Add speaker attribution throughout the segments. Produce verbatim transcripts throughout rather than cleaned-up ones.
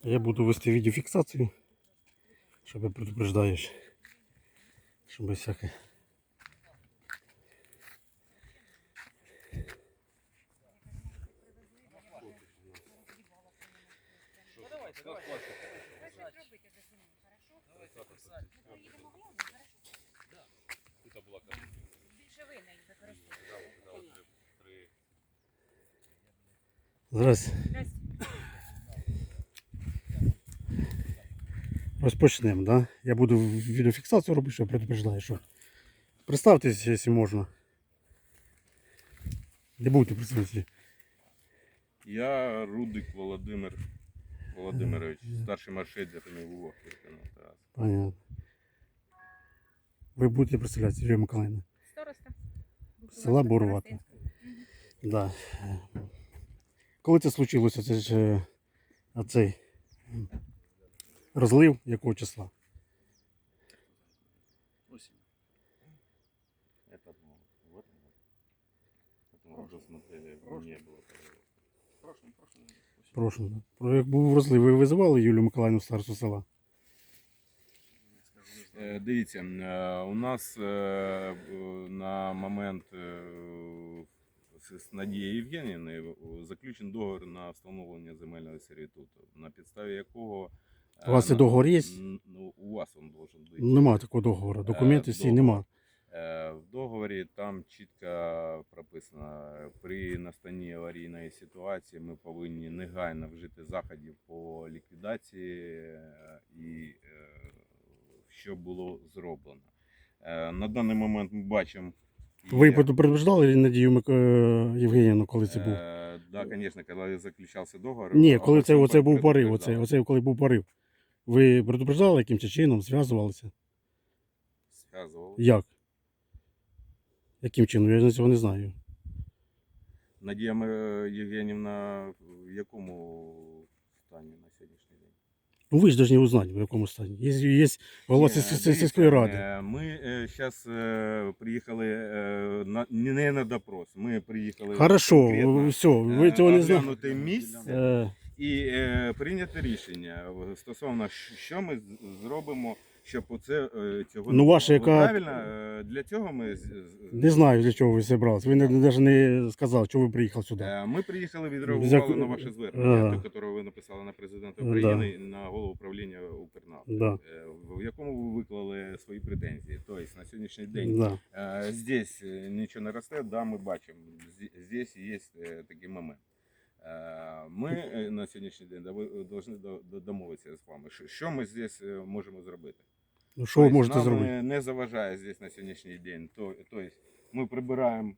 Speaker 1: Я буду вести відеофіксацію, щоб предупреждаєш, щоб всяке. Зараз розпочнемо, да? Я буду відеофіксацію робити, що предупреждаю, що. Представтесь, якщо можна. Не будете представитися.
Speaker 2: Я Рудик Володимир Володимирович, старший маршрутер МВО.
Speaker 1: Понятно. Ви будете представлятися, Юлія Миколаївна?
Speaker 3: Староста.
Speaker 1: Села Бурвата. Да. Коли це случилося, це ж а цей розлив якого числа?
Speaker 2: Осень. Это ну, в этом году. Поэтому уже смотрели, не было. В прошлом, прошлом.
Speaker 1: Прошу. Про як був розлив, ви визивали Юлію Миколаївну, старосту села?
Speaker 2: Е, Дивіться, е, у нас е, е, на момент е, з Надією Євгенівною заключений договір на встановлення земельного сервітуту, на підставі якого... е,
Speaker 1: У вас цей
Speaker 2: на-
Speaker 1: договор є?
Speaker 2: н- Ну, у вас він должен бути.
Speaker 1: Нема такого договору. Документів всі нема.
Speaker 2: Е, В договорі там чітко прописано, при настанні аварійної ситуації ми повинні негайно вжити заходів по ліквідації е, і е, що було зроблено. Е, На даний момент ми бачимо...
Speaker 1: Ви
Speaker 2: є-
Speaker 1: предупреждали Надію Мик... е, Євгенівну, коли це був?
Speaker 2: Е, Да, звісно, коли заключався договор.
Speaker 1: Ні, коли це
Speaker 2: особа
Speaker 1: оце був порив,
Speaker 2: предупреждала.
Speaker 1: оце, оце коли був порив. Ви предупреждали якимось чином, зв'язувалися?
Speaker 2: Зв'язували.
Speaker 1: Як? Яким чином? Я цього не знаю.
Speaker 2: Надія Ме- Євгенівна в якому стані на сьогоднішній день?
Speaker 1: Ну ви ж повинні узнати, в якому стані. Є, є голова
Speaker 2: Ні,
Speaker 1: сільської
Speaker 2: дивіться,
Speaker 1: сільської ради.
Speaker 2: е, Ми зараз приїхали е, на, не на допрос, ми приїхали
Speaker 1: Хорошо,
Speaker 2: конкретно,
Speaker 1: все, ви
Speaker 2: е,
Speaker 1: цього не знаєте.
Speaker 2: оглянути місце
Speaker 1: Е,
Speaker 2: і е, прийняти рішення стосовно, що ми з- зробимо, щоб оце е, цього
Speaker 1: Ну,
Speaker 2: не
Speaker 1: ваша
Speaker 2: було.
Speaker 1: яка-
Speaker 2: Правильно, е, для цього ми... з- з-
Speaker 1: Не знаю, для чого ви зібралися. Ви навіть не сказали, чого ви приїхали сюди.
Speaker 2: Е, Ми приїхали,
Speaker 1: Взяку-
Speaker 2: відреагували на ваше звернення,
Speaker 1: Ага.
Speaker 2: те, яке ви написали на президента
Speaker 1: Да.
Speaker 2: України і на голову управління Укрнафти,
Speaker 1: Да.
Speaker 2: е, в якому ви виклали свої претензії. Тобто на сьогоднішній день
Speaker 1: Да.
Speaker 2: е, здесь е, нічого не росте, да, ми бачимо, зі- здесь є е, такий момент. Е, Ми е, на сьогоднішній день повинні домовитися з вами, що- що ми здесь е, можемо зробити.
Speaker 1: Ну, що ви
Speaker 2: Тобто
Speaker 1: можете
Speaker 2: нам
Speaker 1: зробити?
Speaker 2: е, не заважає здесь на сьогоднішній день. То, тобто ми прибираємо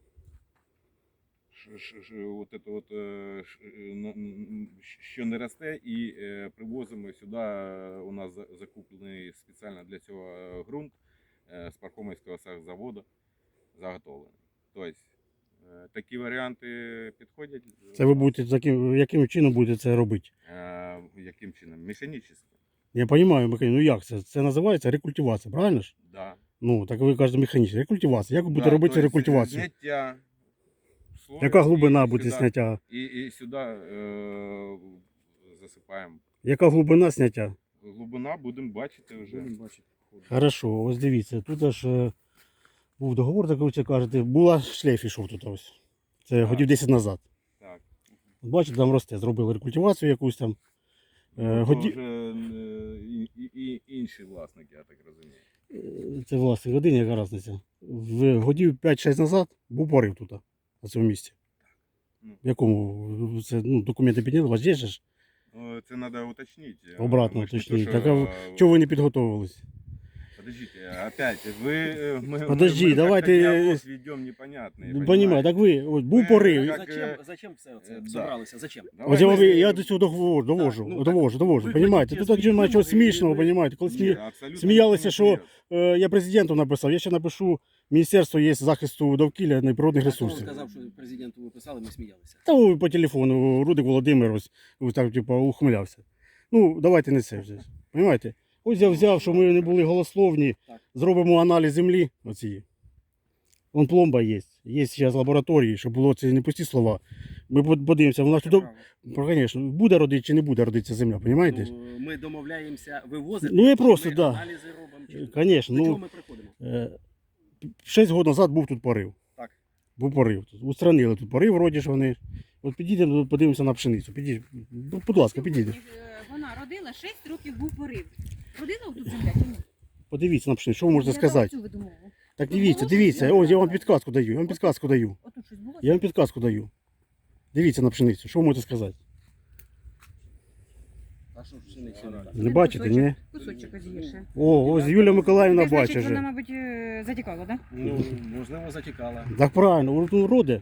Speaker 2: ш- ш- ш- от это от, е, ш- е, на- м, що не росте, і е, привозимо сюди. е, У нас за- закуплений спеціально для цього е, ґрунт е, з Пархомівського заводу заготовлений. Тобто е, такі варіанти підходять.
Speaker 1: Це ви будете таким, яким чином будете це робити?
Speaker 2: Е, Яким чином? Механічно.
Speaker 1: Я розумію, механізм. Ну як це? Це називається рекультивація, правильно ж?
Speaker 2: Да.
Speaker 1: Ну, так ви кажете механічна. Рекультивація. Як ви будете
Speaker 2: Да,
Speaker 1: робити
Speaker 2: тобто,
Speaker 1: рекультивацію?
Speaker 2: Зняття слою
Speaker 1: Яка глибина
Speaker 2: і
Speaker 1: буде
Speaker 2: сюди-
Speaker 1: зняття?
Speaker 2: І, і сюди е, засипаємо.
Speaker 1: Яка глибина зняття?
Speaker 2: Глибина будемо бачити вже.
Speaker 1: Хорошо, ось дивіться, тут аж е, був договор, так ви це кажете, була шлейф ішов тут ось. Це
Speaker 2: Так.
Speaker 1: годів десять назад.
Speaker 2: Так.
Speaker 1: Бачите, там росте, зробили рекультивацію якусь там. Е,
Speaker 2: Ну, то
Speaker 1: годі-
Speaker 2: вже е, і, і, і інші власники, я так розумію.
Speaker 1: Е, Це власне годині, яка різниця. В годів п'ять-шість назад був порив тут, на цьому місці.
Speaker 2: Ну.
Speaker 1: В якому це ну, документи підняли, у вас є ж?
Speaker 2: Ну, це треба уточнити.
Speaker 1: Обратно
Speaker 2: Ми ж не
Speaker 1: уточніть.
Speaker 2: то,
Speaker 1: Так,
Speaker 2: що,
Speaker 1: а
Speaker 2: е,
Speaker 1: чого ви не підготовились?
Speaker 2: Подождите, опять, ви... е, Ми,
Speaker 1: Подожди,
Speaker 2: ми, ми
Speaker 1: давайте-
Speaker 2: как-то диалог ведем непонятный.
Speaker 1: Ну, понімаю, так ви, ось був
Speaker 2: Ви-
Speaker 1: порив.
Speaker 2: як,
Speaker 4: Зачем,
Speaker 2: е,
Speaker 4: зачем все це
Speaker 2: е, да.
Speaker 4: зібралися? Зачем?
Speaker 2: Давай
Speaker 1: Ось я, вам-
Speaker 2: ми-
Speaker 1: я до цього довожу, довожу,
Speaker 4: Так, ну,
Speaker 1: довожу, довожу,
Speaker 4: ви
Speaker 1: понімаєте?
Speaker 4: хочете
Speaker 1: Тут вже немає чого
Speaker 4: свої думки,
Speaker 1: смішного,
Speaker 4: ви-
Speaker 1: понімаєте? Коли
Speaker 2: Ні,
Speaker 1: смі...
Speaker 2: абсолютно
Speaker 1: сміялися,
Speaker 2: не
Speaker 1: що
Speaker 2: серйозно.
Speaker 1: е, я президенту написав, я ще напишу, Міністерство є захисту довкілля і природних
Speaker 4: А хто вам
Speaker 1: ресурсів.
Speaker 4: сказав, що президенту ви писали, ми сміялися.
Speaker 1: Та о, по телефону Рудик Володимир ось, ось так, типу, ухмилявся. Ну, давайте не це вже. Понімаєте? Ось я взяв, що ми не були голословні,
Speaker 4: Так.
Speaker 1: зробимо аналіз землі оцієї. Вон пломба є. Є зараз лабораторії, щоб було це не пусті слова. Ми под- подивимося, вона
Speaker 4: Це
Speaker 1: туди,
Speaker 4: право.
Speaker 1: звісно, буде родити чи не буде родитися земля, розумієте?
Speaker 4: Ну, ми домовляємося вивозити.
Speaker 1: Ну, я
Speaker 4: чи
Speaker 1: просто,
Speaker 4: ми
Speaker 1: да.
Speaker 4: аналізи робимо. Чи...
Speaker 1: Звісно,
Speaker 4: До чого
Speaker 1: ну,
Speaker 4: ми приходимо?
Speaker 1: е, шість років назад був тут порив.
Speaker 4: Так.
Speaker 1: Був порив. Тут. Устранили тут порив, вроді ж вони. От підійдемо, подивимося на пшеницю. Підійдіть, ну, будь ласка, підійдіть.
Speaker 3: Е, Вона родила шість років був порив. Родила тут земля чи ні?
Speaker 1: Подивіться на пшеницю, що ви можете
Speaker 3: Я
Speaker 1: сказати.
Speaker 3: дала цю видумову.
Speaker 1: Так
Speaker 3: Тут
Speaker 1: дивіться,
Speaker 3: було
Speaker 1: дивіться,
Speaker 3: щось?
Speaker 1: ось я вам підказку даю, я вам підказку даю.
Speaker 3: Отут щось було?
Speaker 1: Я вам підказку даю. Дивіться на пшеницю, що ви можете сказати?
Speaker 4: А що ж пшениця не так?
Speaker 1: Не бачите, ні?
Speaker 3: Кусочок ось є ще.
Speaker 1: О, ось Юлія Миколаївна
Speaker 3: Це значить,
Speaker 1: бачить
Speaker 3: вона,
Speaker 1: вже.
Speaker 3: мабуть, е, затікала, так?
Speaker 4: Ну, можливо, затікала.
Speaker 1: Так правильно, воно роде.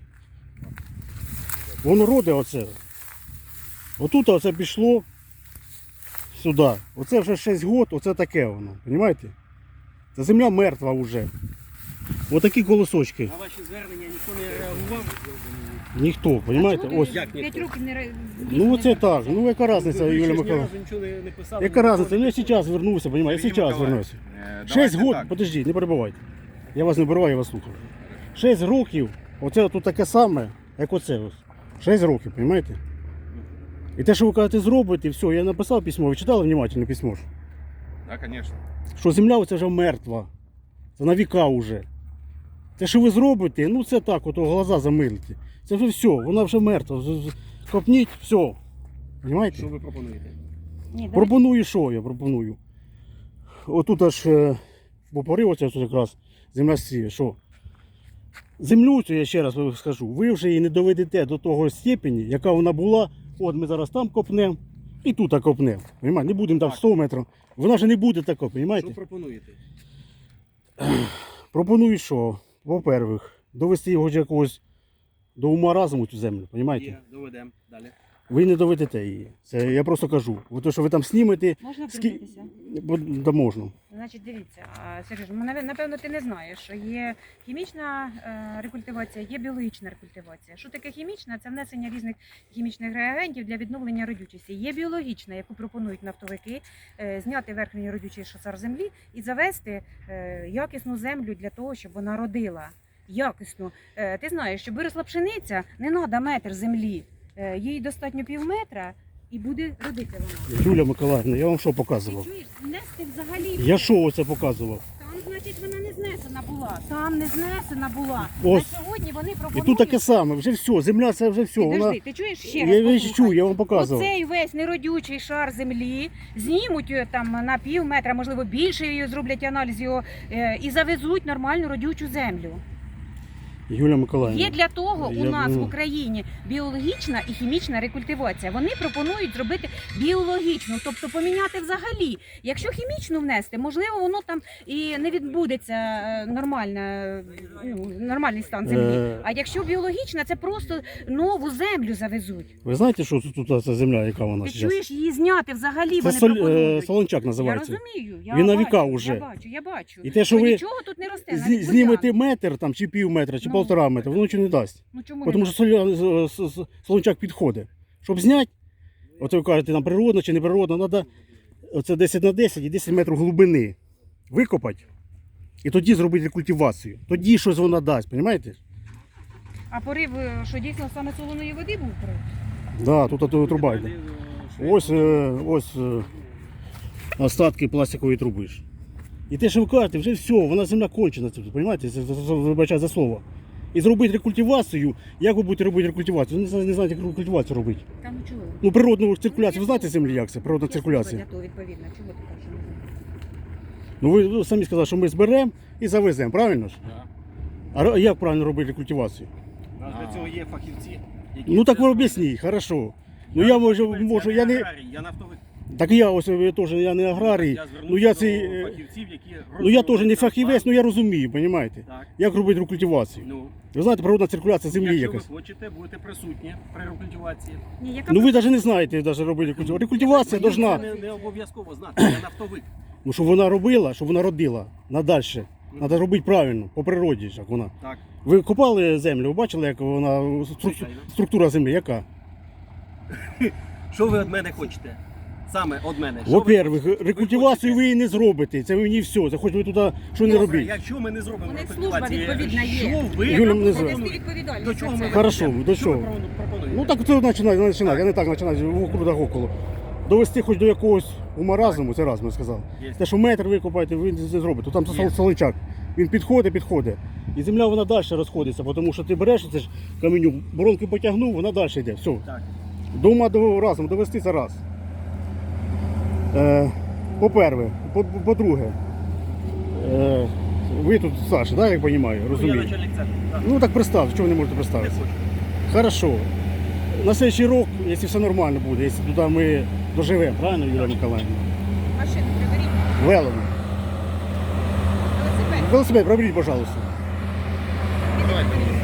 Speaker 1: Воно роде оце. Отут оце пішло сюди. Оце вже шість років, оце таке воно. Розумієте? Це земля мертва вже. Отакі колосочки.
Speaker 4: На ваші звернення ніхто не реагував.
Speaker 1: Ніхто, розумієте? Ось.
Speaker 4: Як
Speaker 3: П'ять
Speaker 4: ніхто?
Speaker 3: років не ре-
Speaker 1: Ну
Speaker 3: не
Speaker 1: оце так. Ну яка різниця,
Speaker 4: Ви ще
Speaker 1: Юлія
Speaker 4: ж ні
Speaker 1: Миколаївна?
Speaker 4: разу нічого не, не писали.
Speaker 1: Яка
Speaker 4: ніколи
Speaker 1: різниця?
Speaker 4: не
Speaker 1: Я
Speaker 4: писали.
Speaker 1: зараз вернуся, розумієте? Я
Speaker 2: Сергій
Speaker 1: зараз
Speaker 2: Миколаївич,
Speaker 1: вернуся.
Speaker 2: е,
Speaker 1: Шесть
Speaker 2: давайте
Speaker 1: років,
Speaker 2: так.
Speaker 1: подожди, не перебивайте. Я вас не перебиваю, я вас слухаю. Шесть років, оце тут таке саме, як оце ось. Шесть років, розумієте? І те, що ви кажете, зробите, все, я написав письмо, ви читали внимательно письмо? ж?
Speaker 2: Да, конечно.
Speaker 1: Що земля оце вже мертва. Це на віка вже. Те, що ви зробите, ну це так, ото глаза замилите. Це вже все, вона вже мертва. З- з- Копніть, все. Понимаєте?
Speaker 4: Що ви пропонуєте?
Speaker 3: Ні, давай.
Speaker 1: Пропоную, що я пропоную. Отут аж е, бо порив оце ось якраз земля сіє, що? Землю цю, я ще раз вам скажу, ви вже її не доведете до того степені, яка вона була. От ми зараз там копнемо і тут копнемо. Понимаєте? Не будемо там
Speaker 4: Так.
Speaker 1: сто метрів. Вона вже не буде така,
Speaker 4: Що
Speaker 1: розумієте?
Speaker 4: пропонуєте?
Speaker 1: Пропоную, що, по-перше, довести його до якогось до ума разуму цю землю, розумієте?
Speaker 4: Є, доведемо. Далі.
Speaker 1: Ви не доведете її. Це я просто кажу. Ви то, що ви там знімете,
Speaker 3: Можна
Speaker 1: скі...
Speaker 3: втрутитися?
Speaker 1: бо- да можна.
Speaker 3: Значить, дивіться, а, Сергій, ну, нав- напевно, ти не знаєш, що є хімічна е, рекультивація, є біологічна рекультивація. Що таке хімічна? Це внесення різних хімічних реагентів для відновлення родючості. Є біологічна, яку пропонують нафтовики, е, зняти верхній родючий шосар землі і завести е, якісну землю для того, щоб вона родила. Якісно. Е, ти знаєш, щоб виросла пшениця, не треба метр землі. Е, їй достатньо пів метра і буде родити вона.
Speaker 1: Юлія Миколаївна, я вам що
Speaker 3: Ти
Speaker 1: показував?
Speaker 3: чуєш, нести взагалі.
Speaker 1: Я що оце показував?
Speaker 3: Там, значить, вона не знесена була. Там не знесена була.
Speaker 1: Ось.
Speaker 3: На сьогодні вони
Speaker 1: І
Speaker 3: пропонують.
Speaker 1: тут таке саме, вже все, земля це вже все.
Speaker 3: Підожди,
Speaker 1: Вона...
Speaker 3: ти чуєш ще
Speaker 1: Я,
Speaker 3: раз?
Speaker 1: я
Speaker 3: послухай.
Speaker 1: чую, я вам показував.
Speaker 3: Оцей весь неродючий шар землі знімуть е, там на пів метра, можливо, більше її зроблять аналіз його е, і завезуть нормальну родючу землю.
Speaker 1: Юлія Миколаївна.
Speaker 3: Є для того
Speaker 1: Я,
Speaker 3: у нас
Speaker 1: ну,
Speaker 3: в Україні біологічна і хімічна рекультивація. Вони пропонують зробити біологічну, тобто поміняти взагалі. Якщо хімічну внести, можливо, воно там і не відбудеться е, нормальна, ну, нормальний стан землі.
Speaker 1: Е.
Speaker 3: А якщо біологічна, це просто нову землю завезуть.
Speaker 1: Ви знаєте, що тут, тут ця земля, яка вона
Speaker 3: Ти
Speaker 1: зараз?
Speaker 3: чуєш, її зняти взагалі
Speaker 1: Це
Speaker 3: вони
Speaker 1: соль, е,
Speaker 3: пропонують.
Speaker 1: солончак
Speaker 3: Я
Speaker 1: називається.
Speaker 3: розумію, я
Speaker 1: Він на
Speaker 3: бачу,
Speaker 1: віка уже.
Speaker 3: Я бачу, я бачу.
Speaker 1: І те, що
Speaker 3: Ну,
Speaker 1: ви
Speaker 3: нічого тут не росте,
Speaker 1: Зні-
Speaker 3: навіть
Speaker 1: знімете
Speaker 3: бур'ян.
Speaker 1: метр там, чи пів метра, чи
Speaker 3: Ну.
Speaker 1: полтора метра, воно нічого не дасть.
Speaker 3: Ну чому не
Speaker 1: Тому що соля- з- з- з- солончак підходить. Щоб зняти, от ви кажете, нам природно чи не природно, треба оце десять на десять і десять метрів глибини викопати. І тоді зробити рекультивацію. Тоді щось вона дасть, розумієте?
Speaker 3: А порив, е, що дійсно саме солоної води був порив?
Speaker 1: Да, тут ото труба йде. Ось, е, ось е, остатки пластикової труби ж. І те, що ви кажете, вже все, вона земля кончена, це, розумієте? Це- це- це- Вибачаю за слово. І зробити рекультивацію, як ви будете робити рекультивацію? Ви не знаєте, не знаєте, як рекультивацію робити.
Speaker 3: Та ну чого?
Speaker 1: Ну, природну циркуляцію, ви знаєте землі, як це? Природна циркуляція.
Speaker 3: Для того відповідно. Чого ти кажеш? що не знаю?
Speaker 1: Ну ви ви самі сказали, що ми зберемо і завеземо, правильно ж?
Speaker 4: Да.
Speaker 1: А ро- як правильно робити рекультивацію?
Speaker 4: У нас для цього є фахівці, які
Speaker 1: Ну так
Speaker 4: це
Speaker 1: ви
Speaker 4: роблять.
Speaker 1: об'ясніть, хорошо. Ну я можу, можу, я не.
Speaker 4: аграрій, я нафтовик.
Speaker 1: Так я ось я теж я не аграрій.
Speaker 4: Я звернувся
Speaker 1: Ну я
Speaker 4: до
Speaker 1: цей. е,
Speaker 4: фахівців, які
Speaker 1: Ну я теж не
Speaker 4: розроблять
Speaker 1: фахівець,
Speaker 4: план.
Speaker 1: ну я розумію, розумієте?
Speaker 4: Так.
Speaker 1: Як робити рекультивацію?
Speaker 4: Ну,
Speaker 1: Ви знаєте, природна циркуляція землі
Speaker 4: якщо
Speaker 1: якась.
Speaker 4: ви хочете, будете присутні при рекультивації.
Speaker 3: Ні, яка
Speaker 1: Ну ви навіть не знаєте навіть робити рекультивацію. Рекультивація
Speaker 4: Мені
Speaker 1: должна,
Speaker 4: це Не, не обов'язково знати, я нафтовик.
Speaker 1: ну щоб вона робила, щоб вона родила надальше. Треба робити правильно, по природі, як вона.
Speaker 4: Так,
Speaker 1: Ви копали землю, ви бачили, як вона стру-
Speaker 4: звичайно.
Speaker 1: структура землі, яка?
Speaker 4: Що ви від мене хочете? саме від мене? Що ви-
Speaker 1: Во-первых, рекультивацію
Speaker 4: хочете?
Speaker 1: ви її не зробите. Це ви не все. Це хоч ви туди що не
Speaker 4: Добре,
Speaker 1: робіть.
Speaker 4: Якщо ми не зробимо
Speaker 3: У них
Speaker 4: рекультивації,
Speaker 3: служба відповідна є.
Speaker 4: що ви
Speaker 1: Юля, мене звати.
Speaker 3: Понести відповідальність
Speaker 4: До чого
Speaker 3: за
Speaker 4: ми
Speaker 3: це.
Speaker 1: Хорошо,
Speaker 4: ведемо?
Speaker 1: до
Speaker 4: Що ви
Speaker 1: чого?
Speaker 4: пропонуєте?
Speaker 1: Ну так це починати, не починати, а не так починати вокруг да около. Довести хоч до якогось умаразму, це раз ми сказав.
Speaker 4: Є.
Speaker 1: Те, що метр викопаєте, ви це зробите. Там це
Speaker 4: Є.
Speaker 1: соличак. Він підходить, підходить. І земля вона далі розходиться, тому що ти береш це ж каменю, боронки потягнув, вона далі йде. Все.
Speaker 4: Так.
Speaker 1: До ума до разом довести це раз. Е, по-перше, по- по-друге, е, ви тут Саша, да, я розумію,
Speaker 4: Я
Speaker 1: розумію.
Speaker 4: начальник центру. так.
Speaker 1: Ну так представте, чого ви не можете
Speaker 4: Не
Speaker 1: представити?
Speaker 4: хочу.
Speaker 1: Хорошо. На следующий рік, якщо все нормально буде, якщо туди ми доживемо, правильно, Юлія Миколаївна?
Speaker 3: Машину приберіть.
Speaker 1: Велено.
Speaker 3: Велосипед.
Speaker 1: Велосипед проберіть, пожалуйста.
Speaker 3: Давайте.